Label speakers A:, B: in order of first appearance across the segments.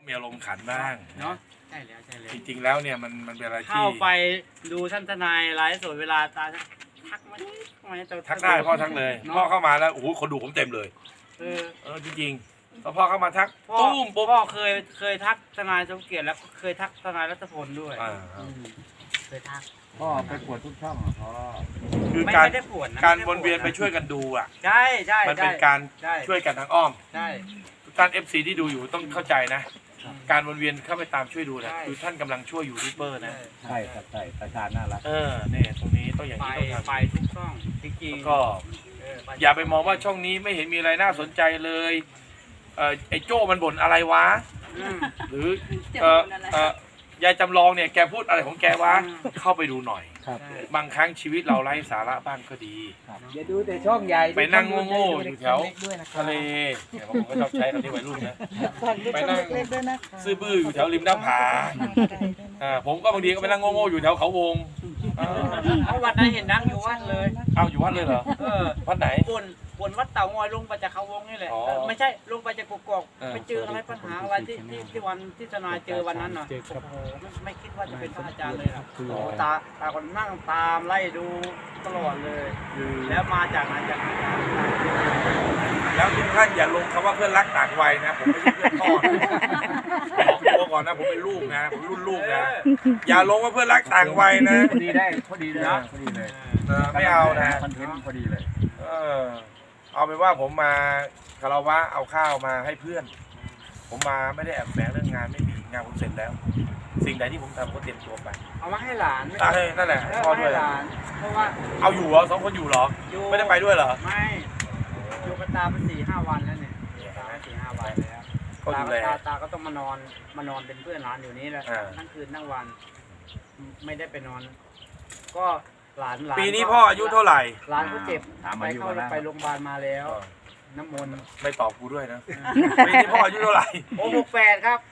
A: มีอารมณ์ขันบ้าง
B: เนาะใช่แล้วใช่แล้ว
A: จริงๆแล้วเนี่ยมันเป็นอะไรที่
B: เข้าไปดูท่านทนายไลฟ์สดเวลาตาทักมาจะ
A: ทักได้พ่อทักเลยพ่อเข้ามาแล้วโอ้โหคนดูผมเต็มเลย จริงๆพอพ่อเข้ามาทักตุ้มปุ๊บ
B: พ่อเคยทักทนายสมเกียรติแล้วเคยทักทนายรัตพลด้วยเคยทัก
C: พ่อไปปวดทุกช่องพ่อ
A: คือ
B: ไม่
A: การ
B: ได้ปวดนะ
A: การวนเวียนไปช่วยกันดูอ่ะ
B: ใช่ใช่
A: มันเป็นการช่วยกันทางอ้อม
B: ใช่
A: ทุกท่าน FC ที่ดูอยู่ต้องเข้าใจนะ การวนเวียนเข้าไปตามช่วยดูนะคือท่านกำลังช่วยยูทูบเบอร์นะ
C: ใช่ครับใช่ประชาน่ารัก
A: เนี่ยตรงนี้ต้องอย่าง
B: ไป
A: นี้ต้องทำ
B: ไปทุกช่องจริง
A: แล้วก็อย่าไปมองว่าช่องนี้ไม่เห็นมีอะไรน่าสนใจเลยไอ้โจ้มันบ่นอะไรวะหรือยายจำลองเนี่ยแกพูดอะไรของแกวะเข้าไปดูหน่อย
C: ครับ
A: บางครั้งชีวิตเราไร้สาระบ้างก็ดี
C: อย่าดูแต่ช่องใหญ่
A: ไปนั่งโง่ๆอยู่แถว
C: ด้วยนะ
A: ทะเลเนี่ยผมก็ชอบใช้คำนี้วัยรุ่นนะ
D: ไป
A: ไปนั่
D: นั่
A: ง
D: งเล็กๆด้วยนะคะ
A: ซื่อบื้ออยู่แถวริมหน้าผาผมก็บางทีก็ไปนั่งโง่ๆอยู่แถวเขาวง
B: เอาวัดนั้นเห็นนั่งอยู่วัดเลย
A: เอาอยู่วัดเลยเหรอวัดไหน
B: บนวัดเต่างอยลงไปจากเขาวงนี่แหละไม่ใช่ลงไปจากกกอกไปเจออะไรปัญหาอะไรที่วันที่ทนายเจอวันนั้นน่ะโอ้โหไม่คิดว่าจะเป็นพระอาจารย์เลยนะโอ้ตาคนนั่งตามไล่ดูตลอดเลย แล้วมาจากไหนจากไหน
A: แล้วทุกท่านอย่าลงคำว่าเพื่อนรักต่างวัยนะผมไม่ใช่เพื่อนพ่อนะบอกตัวก่อนนะผมเป็นลูกนะผมรุ่นลูกนะอย่าลงว่าเพื่อนรักต่างวัยนะ
C: พอดีได้พอดีเลยพอดีเลย
A: ไม่เอานะ
C: คอนเทนต์พอดีเลย
A: เอาเป็นว่าผมมาคารวะเอาข้าวมาให้เพื่อน ผมมาไม่ได้แอบแฝงเรื่องงานไม่มีงานผมเสร็จแล้ว สิ่งใดที่ผมทำก็เตรียมตัวไป
B: เอามาให้หลาน
A: นั่นแหละพ่อด้วย
B: หลานเพราะว่า
A: เอาอยู่เหรอ2 คนอยู่เหรอไม่ได้ไปด้วยเหรอ
B: ไม่อยู่กับตาเป็น4-5 วันแล้วเนี่ยตา4-5 วันแล้ว
A: ก็ดูแล
B: ตาก็ต้องมานอนเป็นเพื่อนหลานอยู่นี่แหละทั้งคืนทั้งวัน ไม่ได้ไปนอน ก็หลาน
A: ปีนี้พ่ออายุเท่าไหร่
B: หลานก็เจ็บไปโรงพยาบาลมาแล้ว น้ำมนต์
A: ไม่ตอบกูด้วยนะปีนี้พ่ออายุเท่าไหร่
B: โอ้68 ครับ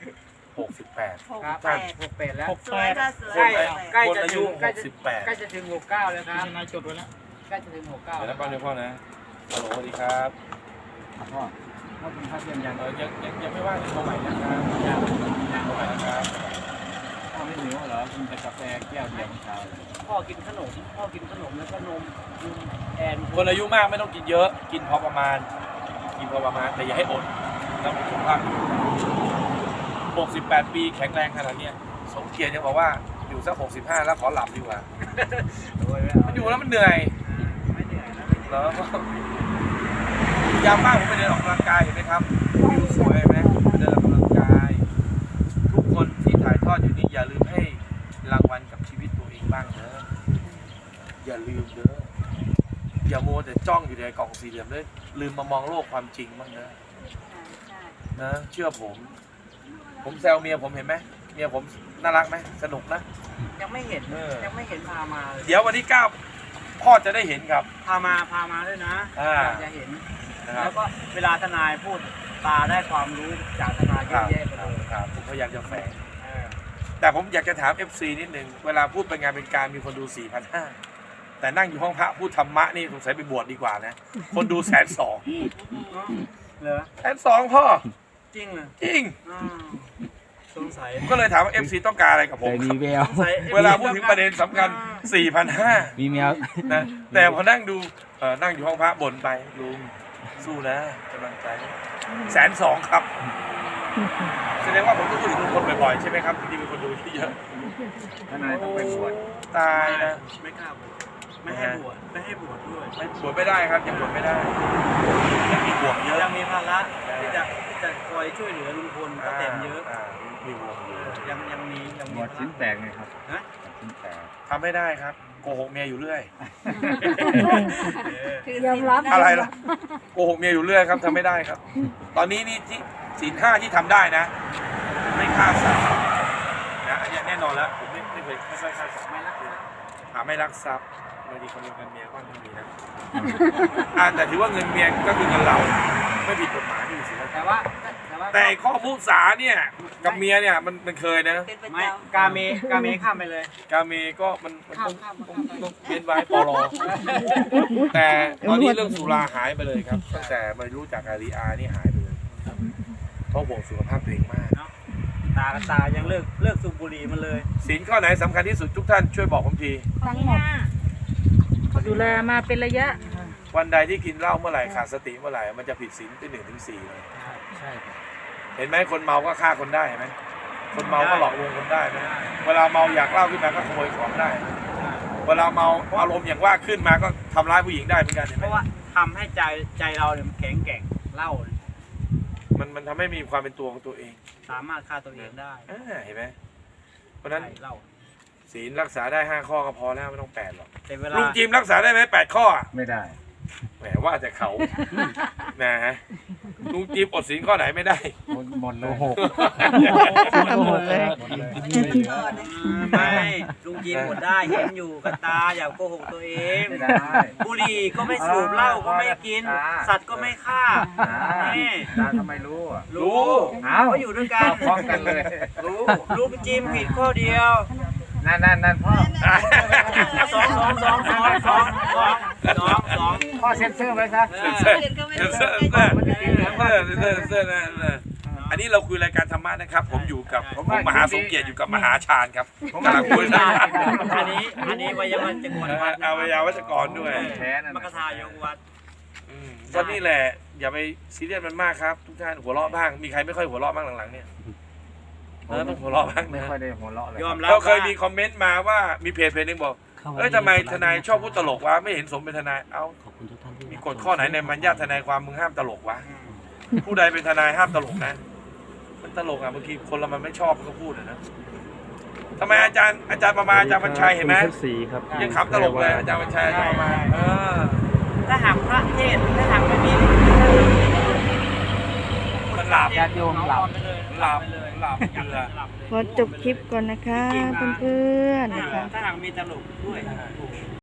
A: 68
B: ครับ68แล้ว
D: สวยค่ะสวย
B: ใกล้
A: คน
B: จะ
A: อา
B: ถึ
A: ยุ
B: งใกล้จะถึง69แล้วครับ
C: นายจดไว้แล้ว
B: ใกล้จะถึง69
A: เดี๋ยวนะป้าเดี๋ยวพ่อนะฮัลโหลสวัสดีครับ
C: พ่อพ่อกินข้าวเที่ยงยัง
A: ยังไม่ว่างเลยโทรใหม่นะครับโทรใหม่นะครับ
C: พ่อไม่หิวเหรอกินแต่กาแฟแก้วเดียวเช้า
B: พ่อกินขนมแล้วก็นมแอน
A: คนอายุมากไม่ต้องกินเยอะ กินพอประมาณ แต่อย่าให้อดแล้วสุขภาพ68 ปีแข็งแรงขนาดนี้สมเกียรติยังบอกว่าอยู่สัก65แล้วขอหลับดีกว่ามันอยู่แล้วมันเหนื่อย
B: ไม่เหนื่อยนะ
A: เหรอยามว่างผมไปเดินออกกำลังกายเห็นไหมครับวิวสวยไหมเดินออกกำลังกาย ทุกคนที่ถ่ายทอดอยู่นี่อย่าลืมให้รางวัลกับชีวิตตัวเองบ้างเนอะอย่าลืมเด้ออย่ามัวแต่จ้องอยู่ในกล่องสี่เหลี่ยมเลยลืมมามองโลกความจริงบ้างนะนะเชื่อผมแซวเมียผมเห็นไหมเมียผมน่ารักไหมสนุกนะ
B: ยังไม่เห็นพามาเลย
A: เดี๋ยววันที่9พ่อจะได้เห็นครับ
B: พามาด้วยนะจะเห็น
A: นะครับ
B: แล้วก็เวลาทนายพูดตาได้ความรู้จากทนายเยอะแยะไปเลย
A: ครับผมพยายามจะแฝงแต่ผมอยากจะถาม FC นิดนึงเวลาพูดเป็นงานเป็นการมีคนดู 4,500 แต่นั่งอยู่ห้องพระพูดธรรมะนี่สงสัยไปบวชดีกว่านะคนดู120,000
B: เหรอ
A: 120,000พ่อ
B: จริงเหรอ
A: จริง
B: สงสัย
A: ผมก็เลยถามว่า FC ต้องการอะไรกับผม
C: แต่
A: ค
C: มี
A: รับ
C: แวว
A: เวลาพูดถึงประเด็นสำคัญ 4,500
C: มีแมว
A: นะแต่พอนั่งดูนั่งอยู่ห้องพระบ่นไปลุงสู้นะกำลังใจ120,000ครับแสดงว่าผมต้องพูดถึงลุงพลบ่อยๆใช่ไหมครับที่มีคนดูที่เยอะ
C: ทนายต้องไปบวช
A: ตายนะ
B: ไม่กล้าบวชไม่ให้บวชด้วย
A: ไม่บวชไม่ได้ครับยังบวชไม่ได้ยังมีบวชเยอะ
B: ยังมีภาระที่จะคอยช่วยเหลือลุงพลป้าแตนเยอะ
A: มีบวชเยอะ
B: ยังมี
C: บวชชิ้นแตกไงครับ
B: ฮะ
C: ชิ้นแตก
A: ทำไม่ได้ครับโกหกเมียอยู่เรื่อย
D: ยอมรับ
A: อะไรล่ะโกหกเมียอยู่เรื่อยครับทำไม่ได้ครับ ตอนนี้นี่ที่ศีล 5ที่ทำได้นะ ไม่ฆ่าสัตว์นะอันนี้แน่นอนแล้วผมไม่เคยฆ่าสัตว์ไม่รักไม่รักทรัพย์บางทีขโมยเงินเมียก็ไม่มีนะแต่ถือว่าเงินเมียก็คือเงินเราไม่ผิดกฎหมายไม่ผิดศีลธรรม แต่ข้อมุสาเนี่ยกับเมียเนี่ยมันเคยนะ
D: เป็นประ
B: ไม่
D: จำ
B: กาเมข้ามไปเลย
A: กาเมก็มันต้อง
B: ข้าม
A: เวียนไว้ปลอแต่ตอนนี้เรื่องสุราหายไปเลยครับตั้งแต่มารู้จักอารีอานี่หายไปเลยเพราะห่วงสุขภาพตัวเองมาก
B: ตายังเลิกสูบบุหรี่มันเลย
A: ศีลข้อไหนสำคัญที่สุดทุกท่านช่วยบอกผมที
D: ทั้งหมดดูแลมาเป็นระยะ
A: วันใดที่กินเหล้าเมื่อไหร่ขาดสติเมื่อไหร่มันจะผิดศีลที่1 ถึง 4เลย
C: ใช่ครับ
A: เห็นไหมคนเมาก็ฆ่าคนได้เห็นไหมคนเมาก็หลอกลวงคนได้ไหมเวลาเมาอยากเหล้าขึ้นมาก็ขโมยของได้ เวลาเมาอารมณ์อย่างว่าขึ้นมาก็ทำร้ายผู้หญิงได้เหมือนกันเห็น
B: เพ
A: ไหม
B: ราะว่าทำให้ใจเราเนี่ยมันแข็งแกร่งเหล้า
A: มันทำให้มีความเป็นตัวของตัวเอง
B: สามารถฆ่าตัวเองได้
A: เห็นไหมเพราะฉะนั้น
B: ใช่เหล้า
A: ศีลรักษาได้5 ข้อก็พอแล้วไม่ต้อง8หรอก
B: แต่เวลา
A: ลุงจิมรักษาได้ไหม8 ข้อ
C: ไม่ได้
A: แหมว่าแต่เขานะฮะลุงจิมอดศีลข้อไหนไม่ได้
C: หมดเลย
D: หมดเลย
C: หมดเลยไม่เหลือ
B: ไม่ลุงจีนหมดได้เห็นอยู่กับตาอย่าโกหกตัวเอง
C: ไม่ได้
B: บุหรี่ก็ไม่สูบเหล้าก็ไม่กิน สัตว์ก็ไม่ฆ่านี่
C: ตาทำไมรู้อ่ะ
B: รู้
C: เอ้า
B: เขาอยู่ด้วยกัน
C: พร้อมกันเลย
B: รู้ลุงจิมผิดข้อเดียว
C: นั่นพ่อ
B: สอง
C: พ่อเซ็นเซอร์ไว้ซะ
A: เสื้อนะอันนี้เราคุยรายการธรรมะนะครับ ผมอยู่กับผมมหาสมเกียรติอยู่กับมหาชาญครับกำลังคุยนะ
B: อันนี้วัยวันจังหวัดวัด
A: อาวิยาวัจกรด้วย
C: แท้นั่น
B: มกทายกวัด
A: ก็นี่แหละอย่าไปซีเรียสมันมากครับทุกท่านหัวเราะบ้างมีใครไม่ค่อยหัวเราะบ้างหลังๆเนี่ยต้องหัวเราะบ้าง
C: ไม่
A: นะ
C: ค่อยได้หัวเราะเลย
B: ยอมรับ
A: เราเคยมีคอมเมนต์มาว่ามีเพจหนึ่งบอกเอ้ยทำไมทนายชอบพูดตลกวะไม่เห็นสมเป็นทนายเอ้ามีกฎข้อไหนในมัญญาติทนายความมึงห้ามตลกวะผู้ใดเป็นทนายห้ามตลกนะมันตลกอ่ะบางทีคนเรามันไม่ชอบมันก็พูดนะทำไมอาจารย์ประมาอาจารย์บรรชัยเห็นไหมยังขำตลกเลยอาจารย์บรรชัยอาจารย์ประมา
B: ถ้าหากพระเทศถ้าหากไม่มี
A: มันหลับ
C: ญาติโยมหลับ
A: หลับเบื่อ
D: ขอจบคลิปก่อนนะคะเพื่อนๆนะคะ
B: ถ้าหากมีตลกด้วย